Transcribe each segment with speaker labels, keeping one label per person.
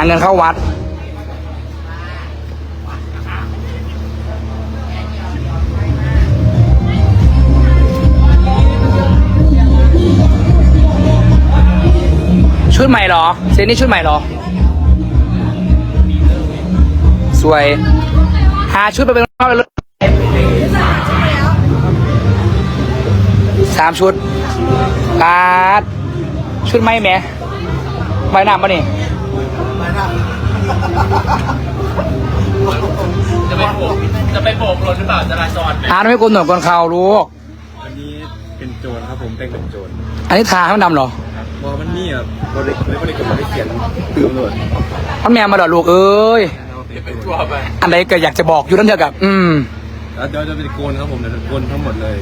Speaker 1: เงินเข้าวัดชุดใหม่เหรอเซนนี่ชุดใหม่เหรอสวยหาชุดไปเป็นรอบเลย3 ชุดการ์ดชุดไหมแม่ใบหน้าปะนี่
Speaker 2: จะไปโบกรถหรือเปล่าจราจร
Speaker 1: ไม่กลหนวดกลเขาลูก
Speaker 3: อันนี้เป็นโจรครับผมแต่งเป็นโจร
Speaker 1: อันนี้ทาให้มันดำเหรอ
Speaker 3: บอกมันนี่อ่ะบริกรรมเขียนตื่นเลย
Speaker 1: มันแมวมาดอลูกเอ้ยอันใดก็อยากจะบอกอยู่นั่นเถอะกับ
Speaker 3: แล้วเดี๋ยวจะเป็นโกนครับผมเดี๋ยวโกนทั้งหมดเลย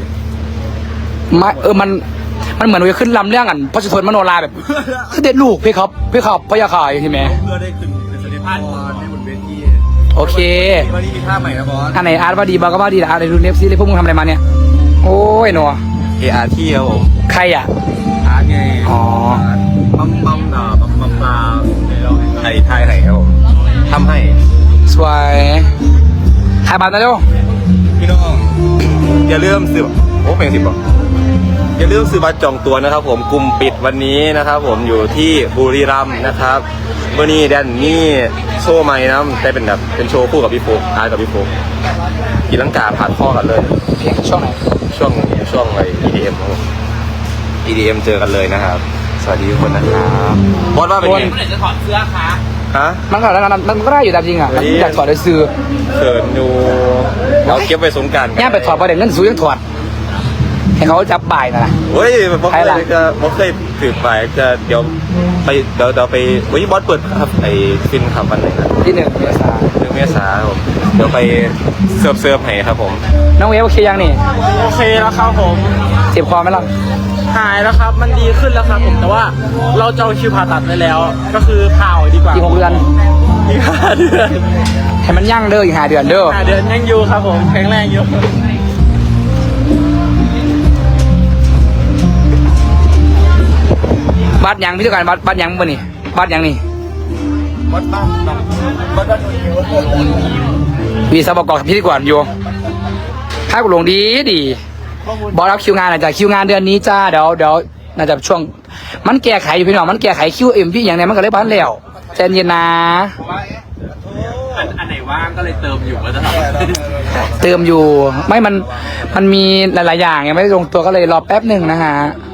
Speaker 1: มันเหมือนว่าขึ้นลำเรื่องกันพระสุทนมโนราแบบคือเด็ดลูกพี่ครับพยาขายใช่ไหม
Speaker 3: เพื่อได้ขึ้นเป็นสเตปได้บนเวที
Speaker 1: โอเค
Speaker 3: วันนี้มีท่าใหม่นะบอส
Speaker 1: อันไหนอาร์ตว่าดีบอสก็ว่าดีนะอะไรดูเนฟซี่เลยพวกมึงทำอะไรมาเนี่ยโอ้ยหนัว
Speaker 3: ARTครับผม
Speaker 1: ใครอ่ะ
Speaker 3: อาร์ตไง
Speaker 1: อ๋อ
Speaker 3: ปั๊มปลาไทยไหนครับผมทำให้
Speaker 1: สวยถ่ายบัตรนะเจ้า
Speaker 3: พี่น้องอย่าลืมซื้อโอ้เพลง10บอกอย่าลืมซื้อบัตรจองตัวนะครับผมกลุ่มปิดวันนี้นะครับผมอยู่ที่บุรีรัมย์นะครับเมื่อนี้แดนนี่โชว์ใหม่นะแต่เป็นแบบเป็นโชว์คู่กับพี่โฟกอาร์กับพี่โฟกกีลังกาผ่านข้อกันเลย
Speaker 1: เพลงช่วงไหน
Speaker 3: ช่วงอะไร EDM ครับ EDM เจอกันเลยนะครับสวัสดีทุกคนนะครับบอสว่าเป็นไง
Speaker 2: เมื่อไหร่จะถอดเสื้อคะ
Speaker 1: มันก็แล้วมันก็ได้อยู่ตามจริงอ่ะมันอยากถอดได้ซื้อ
Speaker 3: เขินอยู่เราเก็บไปสงการ
Speaker 1: ย่าไปถอดประเด็นเงินซื้อยังถอดให้เขาจับบ่ายนะ
Speaker 3: เฮ้ยผมเคยถือไปจะเดี๋ยวไปวันนี้บอสเปิดครับไอ้ฟินขับวันไหนนะ
Speaker 1: ที่1 เมษายน
Speaker 3: 1 เมษายนผมเดี๋ยวไปเซิร์ฟให้ครับผม
Speaker 1: น้องเวฟโอเคยังนี่
Speaker 2: โอเคแล้วครับผม
Speaker 1: เจ็บคอไหมล่ะ
Speaker 2: หายแล้วครับมันดีขึ้นแล้วครับผมแต่ว่าเราจองคิวผ่าตัดไปแล้วก็คือผ่าดีกว่า
Speaker 1: อีก6 เดือน
Speaker 2: อีก5 เดือน
Speaker 1: ให้มันยั่งเด้ออีก5 เดือนเด้อ
Speaker 2: 5 เดือนยังอยู่ครับผมแข็งแรงอยู่
Speaker 1: บัตรยังพิธีการบัตรยังบ่นี่บัตรยังนี่
Speaker 3: บัตรบ้าน
Speaker 1: มีสบกพิธีกรอยู่ถ้ากูลงดีบอสรับคิวงานอาจจะคิวงานเดือนนี้จ้าเดี๋ยวน่าจะช่วงมันแก้ไขอยู่พี่น้องมันแก้ไขคิวพี่อย่างไรมันก็เลยบ้านแล้วใจเย็นนะ
Speaker 2: อันไหนว่างก็เลยเติมอยู่ก็จะท
Speaker 1: ำเติมอยู่ไม่มันมีหลายๆอย่างยังไม่ได้ลงตัวก็เลยรอแป๊บหนึ่งนะฮะ